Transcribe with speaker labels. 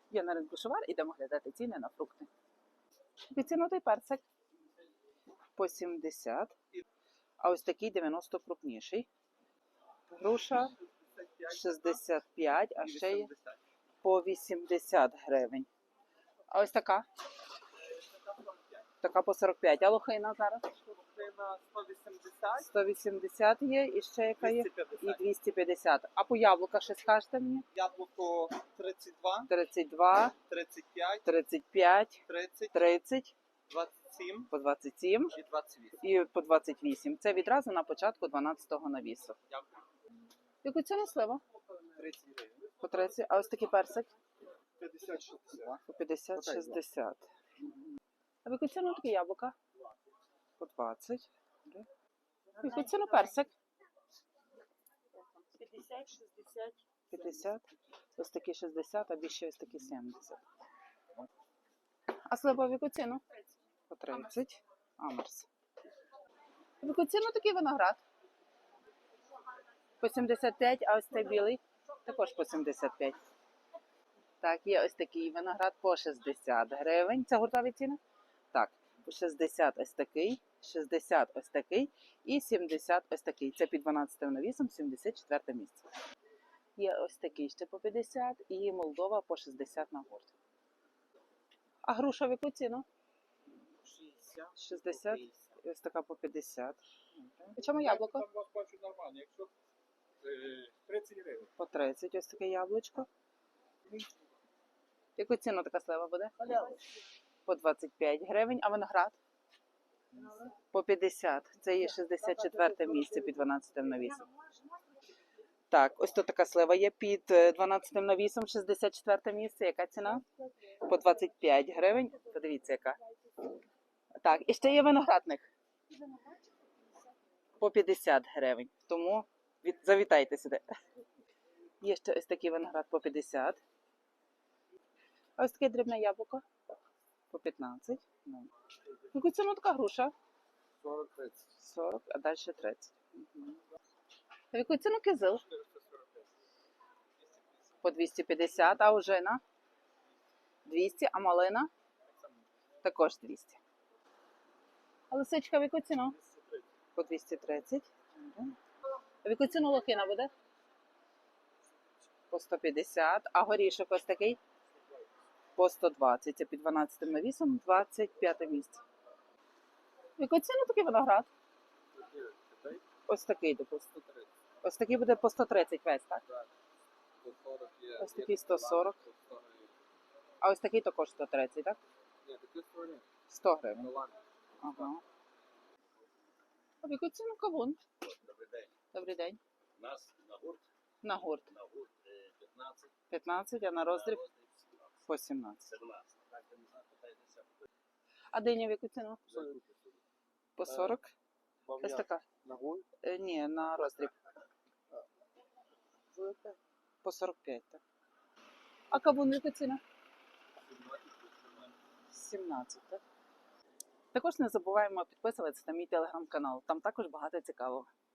Speaker 1: Я на ринку Шувар, ідемо глядати ціни на фрукти. Відцінутий персик по 70, а ось такий 90 крупніший. Груша 65, а ще є по 80 гривень. А ось така? Така по 45. А лохина зараз?
Speaker 2: Лохина 180.
Speaker 1: 180 є, і ще яка є?
Speaker 2: 250.
Speaker 1: І 250. А по яблука ще скажете мені?
Speaker 2: Яблуко 32,
Speaker 1: 32,
Speaker 2: 35,
Speaker 1: 35,
Speaker 2: 30,
Speaker 1: 30,
Speaker 2: 27
Speaker 1: по 27
Speaker 2: і 28.
Speaker 1: і по 28. Це відразу на початку 12-го навісу.
Speaker 2: Дякую.
Speaker 1: Яку ціну слива?
Speaker 2: 30 гривень.
Speaker 1: По 30. А ось такий персик?
Speaker 2: 50-60.
Speaker 1: По 50-60. А в яку ціну такі яблука? По 20. В яку ціну персик?
Speaker 3: 50-60.
Speaker 1: 50. Ось такі 60, а більше ось такі 70. А слива в яку ціну? По 30. Амарс. В яку ціну такий виноград? По 75, а ось цей білий? Також по 75. Так, є ось такий виноград по 60 гривень. Це гуртові ціни? Так, по 60 ось такий, 60 ось такий і 70 ось такий. Це під 12 навісом, 74 місце. Є ось такий ще по 50 і Молдова по 60 на гурт. А груша в яку ціну? 60 і ось така по 50. І чому яблуко?
Speaker 2: Там вас бачу нормально, якщо 30 гривень.
Speaker 1: По 30 ось таке яблучко. Яку ціну така слива буде? По 25 гривень, а виноград? По 50. Це є 64 місце під 12 навісом. Так, ось тут така слива є під 12 навісом, 64 місце. Яка ціна? По 25 гривень. Подивіться, яка. Так, і ще є виноградник. По 50 гривень. Тому завітайте сюди. Є ще ось такий виноград по 50. А ось таке дрібне яблуко по 15. Яку ціну така груша?
Speaker 2: 40-30.
Speaker 1: 40, а далі 30. А яку ціну кизил?
Speaker 2: 445.
Speaker 1: По 250, а ожина? 200, а малина? Також 200. А лисичка в яку ціну?
Speaker 2: 230.
Speaker 1: По 230. А в яку ціну лохина буде? По 150. А горішок ось такий? По 120. Це під 12 навісом, 25 місце. В яку ціну такий виноград? Ось такий, допустимо.
Speaker 2: 130.
Speaker 1: Ось такий буде по 130 весь, так?
Speaker 2: Так. 140 є.
Speaker 1: Ось такий 140.
Speaker 2: 140.
Speaker 1: А ось такий також 130, так?
Speaker 2: Ні, такі 140.
Speaker 1: 100 гривень.
Speaker 2: Голланд.
Speaker 1: Ага. А в яку ціну кавун?
Speaker 4: Добрий день.
Speaker 1: Добрий день.
Speaker 4: У нас на гурт
Speaker 1: На гурт
Speaker 4: 15,
Speaker 1: 15, а на роздріб
Speaker 4: 17.
Speaker 1: по 17.
Speaker 4: 17. Так, я не знаю, питайтеся.
Speaker 1: А диня в яку ціну? По 40. Ось така.
Speaker 2: На гурт?
Speaker 1: Ні, на роздріб. По 45, так. А кавун в яку ціну? 17, так. Також не забуваємо підписуватися на мій телеграм-канал. Там також багато цікавого.